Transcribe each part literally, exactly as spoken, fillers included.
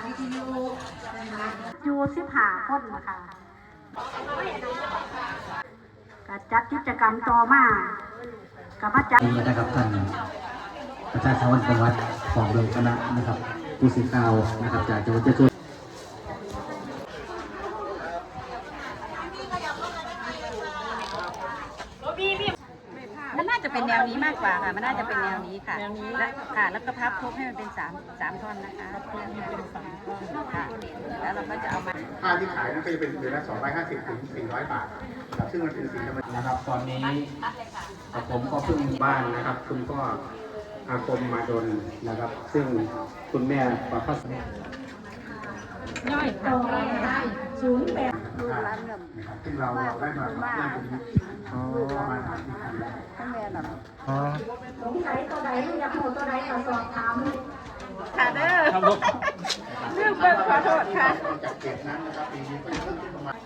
วิทยุอยู่สิบห้าคนนะคะก็จัดกิจกรรมต่อมากับพระจันทร์นี่นะครับท่านอาจารย์ชวันประวัติของโรงคณะนะครับผู้สื่อข่าวนะครับจากจังหวัดเชียงรายมันน่าจะเป็นแนวนี้มากกว่าค่ะมันน่าจะเป็นแนวนี้ค่ะและค่ะแล้วก็พับครบให้มันเป็นสามสามท่อนนะคะเพื่อให้เป็นสามท่อนค่ะแล้วเราก็จะเอามาผ้าที่ขายนั้นก็จะเป็นเดือนละสองร้อยห้าสิบถึงสี่ร้อยบาทครับซึ่งมันเป็นสีธรรมชาตินะครับตอนนี้ผมก็เพิ่งบ้านนะครับคุณก็อาคมมาดนนะครับ ซึ่งคุณแม่ประพัสดิ์ย่อยโตได้ศูนย์แปดดูร้านเงินนะครับซึ่งเราเราได้มาเรื่องตรงนี้ประมาณสามสิบปีแล้วทั้งแม่หรออ๋อสงสัยตัวใดอยากโหตัวใดก็สอบถามค่ะเด้อเรื่องเบิกขอโทษค่ะจากเก็บนั้นนะครับปีนี้ก็จะเพิ่มขึ้นประมาณ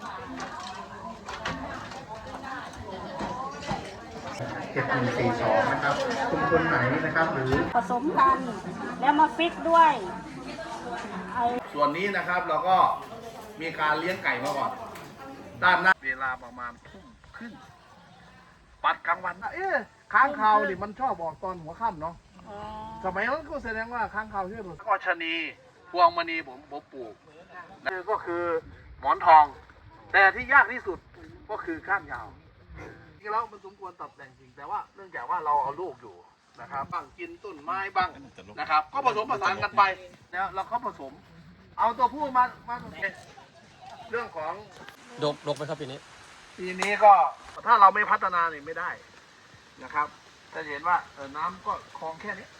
เจ็ดหนึ่งสี่สองนะครับชุมชนไหนนะครับหรือผสมกันแล้วมาฟิกด้วยส่วนนี้นะครับเราก็มีการเลี้ยงไก่มาก่อนด้านหน้าเวลาประมาณทุ่มครึ่งปัดกลางวันนะเอ๊ะค้างคาวนี่มันชอบบอกตอนหัวค่ำเนาะสมัยนั้นก็แสดงว่าค้างคาวช่วยผมก็ชะนีพวงมณีผมผมปลูกนี่ก็คือหมอนทอง แต่ที่ยากที่สุดก็คือก้านยาวจริงแล้วมันสมควรตัดแต่งจริงแต่ว่าเนื่องจากว่าเราเอาลูกอยู่นะครับบ้างกินต้นไม้บ้างนะครับก็ผสมผสานกันไปนะเราก็ผสมเอาตัวผู้มามาเรื่องของดกดกไหมครับปีนี้ปีนี้ก็ถ้าเราไม่พัฒนาเนี่ยไม่ได้นะครับจะเห็นว่าเออน้ำก็คลองแค่นี้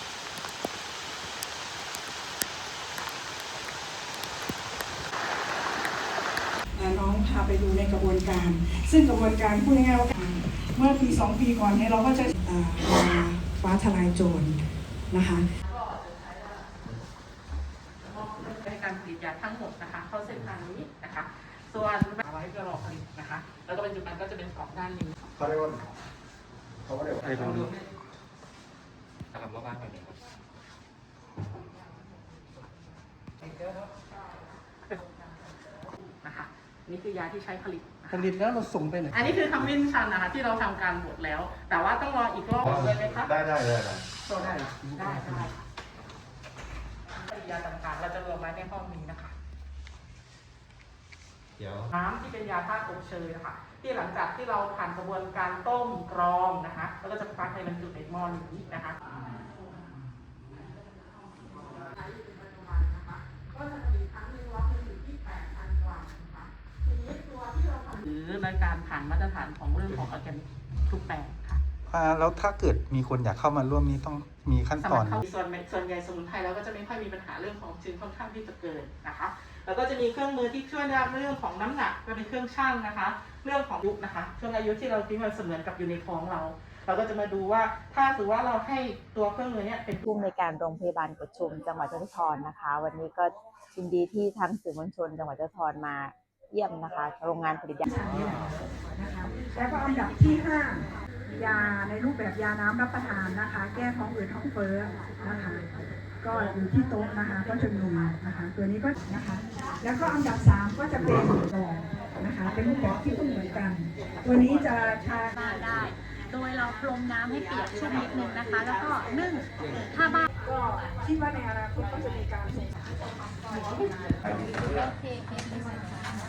น้องพาไปดูในกระบวนการซึ่งกระบวนการพูดง่ายๆว่าเมื่อปีสองปีก่อนเนี่ยเราก็จะมาฟ้าทลายโจรนะคะในการผลิตยาทั้งหมดนะคะเข้าเส้นทางนี้นะคะส่วนเอาไว้เพื่อรอผลิตนะคะแล้วก็ปัจจุบันก็จะเป็นสองด้านนี้เขาเรียกว่าเขาเรียกว่าอะไรบ้างนะครับว่าบ้านไปไหนครับนะคะนี่คือยาที่ใช้ผลิตผลิตแล้วเราส่งไปไหนอันนี้คือคำวินิจฉัยนะคะที่เราทำการบดแล้วแต่ว่าต้องรออีกรอบเลยไหมครับได้ได้เลยนะได้ได้ได้ยาต่างๆเราจะรวมไว้ในห้องนี้นะคะเดี๋ยวน้ำที่เป็นยาธาตุอบเชยนะคะที่หลังจากที่เราผ่านกระบวนการต้มกรองนะคะแล้วก็จะพักในบรรจุในหม้อนี้นะคะก็จะผลิตครั้งนึงล็อตนึงอยู่ที่แปดพันกว่านะคะทีนี้ตัวที่เราหรือในการผ่านมาตรฐานของเรื่องของออร์แกนิกทุกแปลงค่ะแล้วถ้าเกิดมีคนอยากเข้ามาร่วมนี้ต้องมีขั้นตอนส่วนส่วนใหญ่สมุนไพรเราก็จะไม่ค่อยมีปัญหาเรื่องของชื้นค่อนข้างที่จะเกินนะคะแล้วก็จะมีเครื่องมือที่ช่วยในเรื่องของน้ำหนักก็เป็นเครื่องชั่งนะคะเรื่องของยุคนะคะช่วงอายุที่เราที่มันเสมือนกับอยู่ในท้องเราเราก็จะมาดูว่าถ้าถือว่าเราให้ตัวเครื่องมือนี้เป็นผู้อำนวยการโรงพยาบาลกุดชุมจังหวัดยะโสธรนะคะวันนี้ก็ยินดีที่ทางสื่อมวลชนจังหวัดยะโสธรมาเยี่ยมนะคะโรงงานผลิตยานะคะแล้วก็อันดับที่ห้ายาในรูปแบบยาน้ำรับประทานนะคะแก้ท้องอืดท้องเฟ้อนะคะก็อยู่ที่โต๊ะนะคะก็จะมีนะคะตัวนี้ก็นะคะแล้วก็อันดับสามก็จะเป็นกล่องนะคะเป็นรูปแบบที่ต้องเหมือนกันตัวนี้จะทาได้โดยเราพรมน้ำให้เปียกชุ่มนิดนึงนะคะแล้วก็นึ่งถ้าบ้านก็คิดว่าในอนาคตก็จะมีการส่งสาร